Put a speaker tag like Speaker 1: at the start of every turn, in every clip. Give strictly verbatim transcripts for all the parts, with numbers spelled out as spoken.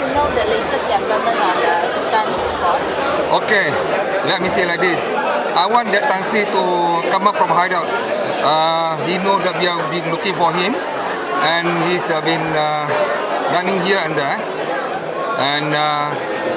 Speaker 1: know the latest development on the Sultan's report?
Speaker 2: Okay, let me say like this. I want that Tan Sri to come up from hideout. Uh, he knows that we have been looking for him, and he's uh, been uh, running here and there. And uh,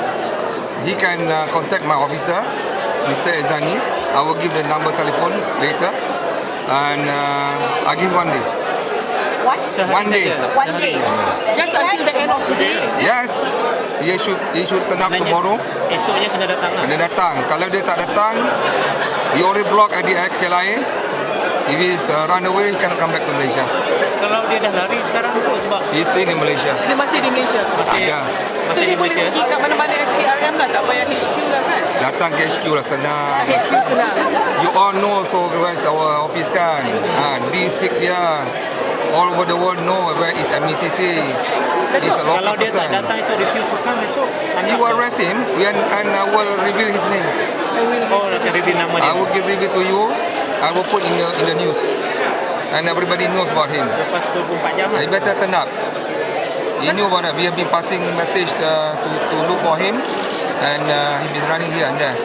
Speaker 2: he can uh, contact my officer, Mister Ezani. I will give the number telephone later, and uh, I'll give one day.
Speaker 1: What?
Speaker 2: One day.
Speaker 1: One day.
Speaker 3: Just until the end of today.
Speaker 2: Yes, he should he should turn up tomorrow.
Speaker 3: Esoknya kena datang lah.
Speaker 2: Kena datang. Kalau dia tak datang, we already block at the K L I A. If he's uh, run away, he cannot come back to Malaysia.
Speaker 3: Kalau dia dah lari sekarang tu sebab
Speaker 2: He's staying in Malaysia.
Speaker 4: Dia masih di Malaysia.
Speaker 3: masih
Speaker 2: Ada.
Speaker 4: So
Speaker 3: masih
Speaker 4: dia
Speaker 3: di
Speaker 4: boleh
Speaker 3: Malaysia.
Speaker 4: pergi kat mana-mana S P R M lah, tak payah H Q lah kan?
Speaker 2: Datang ke H Q lah senang.
Speaker 4: H Q senang.
Speaker 2: You all know so where's our office kan? Ha, D six here. All over the world know where is M E C C. He's a
Speaker 3: Kalau
Speaker 2: local
Speaker 3: dia tak
Speaker 2: person.
Speaker 3: datang esok, refuse to come esok.
Speaker 2: You will arrest him and, and I will reveal his name.
Speaker 3: Oh, akan reveal nama dia.
Speaker 2: I will give reveal to you. I will put in the in the news. And everybody knows about him.
Speaker 3: Lepas dua puluh empat jam lah.
Speaker 2: He better turn up. He knew about it. We have been passing message uh, to to look for him, and uh, he been running here and there.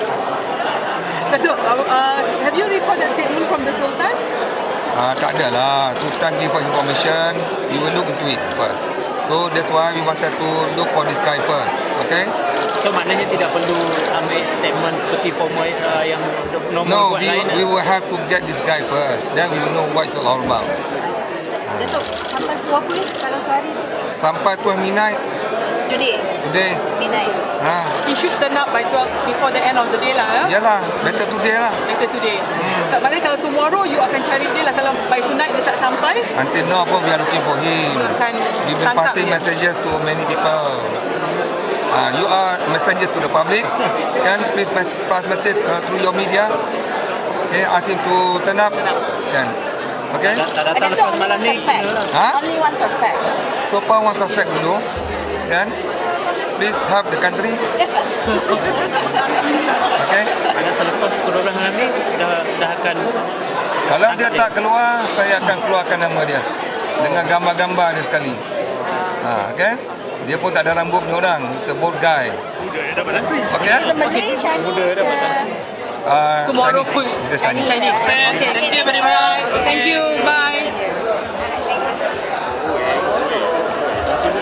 Speaker 4: Datuk, uh, uh, have you recorded statement from the Sultan?
Speaker 2: Uh, tak ada lah. Sultan give us information. We will look into it first. So that's why we wanted to look for this guy first. Okay?
Speaker 3: So maknanya tidak perlu ambil statement seperti formal uh, yang normal
Speaker 2: No,
Speaker 3: buat
Speaker 2: we
Speaker 3: lain.
Speaker 2: we will have to get this guy first. Then we will know what it's all about.
Speaker 1: Datuk, sampai pukul apa ni kalau sehari tu?
Speaker 2: Sampai tuan midnight
Speaker 1: Today,
Speaker 2: today.
Speaker 1: midnight.
Speaker 2: Ha,
Speaker 4: He should turn up by twelve before the end of the day lah. Ya?
Speaker 2: yalah, better today lah.
Speaker 4: Later today. Tak maknanya kalau tomorrow you akan cari dia lah. Kalau by tonight dia tak sampai,
Speaker 2: Until now pun we are looking for him.
Speaker 4: akan
Speaker 2: We've been
Speaker 4: tangkap
Speaker 2: passing
Speaker 4: dia.
Speaker 2: messages to many people. Uh, you are messengers to the public. Can please mes- pass message uh, through your media. Okay, ask him to turn up. Can. Okay.
Speaker 3: Tak, tak datang
Speaker 1: Datuk,
Speaker 3: lepas
Speaker 1: only
Speaker 3: malam
Speaker 1: one
Speaker 3: ni.
Speaker 1: suspect.
Speaker 2: Ha?
Speaker 1: Only one suspect.
Speaker 2: So far one suspect dulu. Kan? Please help the country. Okay.
Speaker 3: Ada selepas pukul dua belas malam ni dah dah akan
Speaker 2: Kalau dia tak keluar, saya akan keluarkan nama dia dengan gambar-gambar dia sekali. Ha, okay? Dia pun tak ada rambut ni orang. He's a bold guy. Okay?
Speaker 1: Is it Malay, Chinese? Uh,
Speaker 2: Uh,
Speaker 4: Tomorrow
Speaker 2: Chinese.
Speaker 4: full.
Speaker 2: He's a Chinese.
Speaker 1: Chinese.
Speaker 4: Okay,
Speaker 1: Okay,
Speaker 4: thank you very much. Thank you. Bye.